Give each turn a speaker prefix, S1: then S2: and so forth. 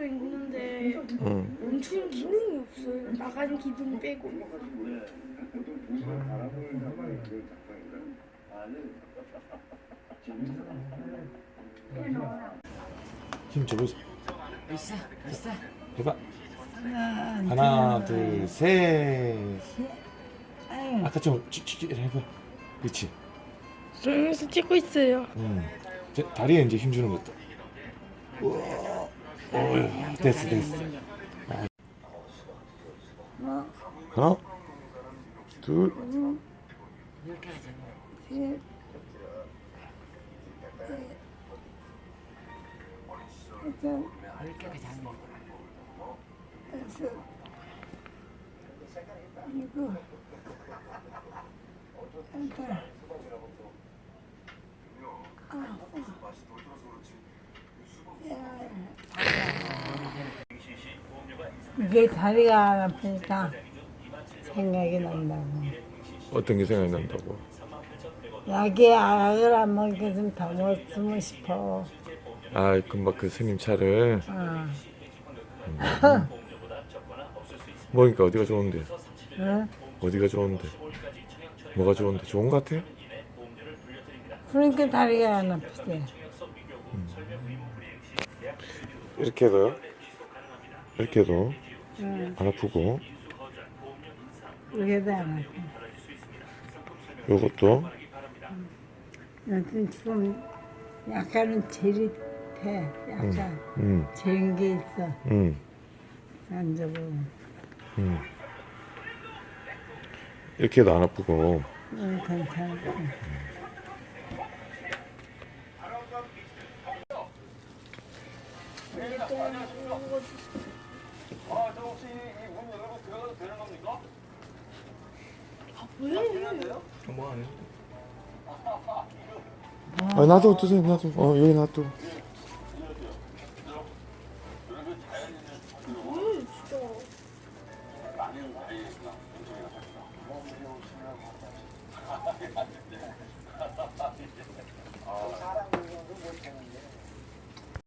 S1: 있는데
S2: 응.
S1: 멈추는 기능이 없어요. 나가는 기능 빼고.
S2: 힘 줘보자.
S3: 있어.
S2: 해봐. 하나, 둘, 셋. 아까 좀 해봐. 그렇지.
S1: 조용해서 찍고 있어요.
S2: 다리에 이제 힘 주는 것도. 우와. 됐어. 하나, 둘,
S3: 이렇게 하자.
S1: 셋,
S3: 이렇게 하자.
S1: 다섯, 일곱, 여덟, 아홉,
S4: 이게 다리가 안 아프니까 생각이 난다고.
S2: 어떤 게 생각이 난다고?
S4: 약을 안 먹게 좀 더 먹으면 싶어.
S2: 아, 금방 그 스님 차를
S4: 어.
S2: 먹으니까 어디가 좋은데?
S4: 응?
S2: 어디가 좋은데? 뭐가 좋은데? 좋은 것 같아?
S4: 그러니까 다리가 안 아프지.
S2: 이렇게 해도요? 이렇게 해도
S4: 응.
S2: 안 아프고,
S4: 그게도 안 아파.
S2: 요것도
S4: 여튼 지금 약간은 재릿해. 약간 재린 게 있어. 앉아보면.
S2: 이렇게 해도 안 아프고.
S4: 응, 괜찮아.
S5: 저 혹시 이 문 열고 들어가도 되는 겁니까?
S2: 아, 놔둬, 두세요, 놔둬. 여기 놔둬.
S5: 많은 다리가 엄청나게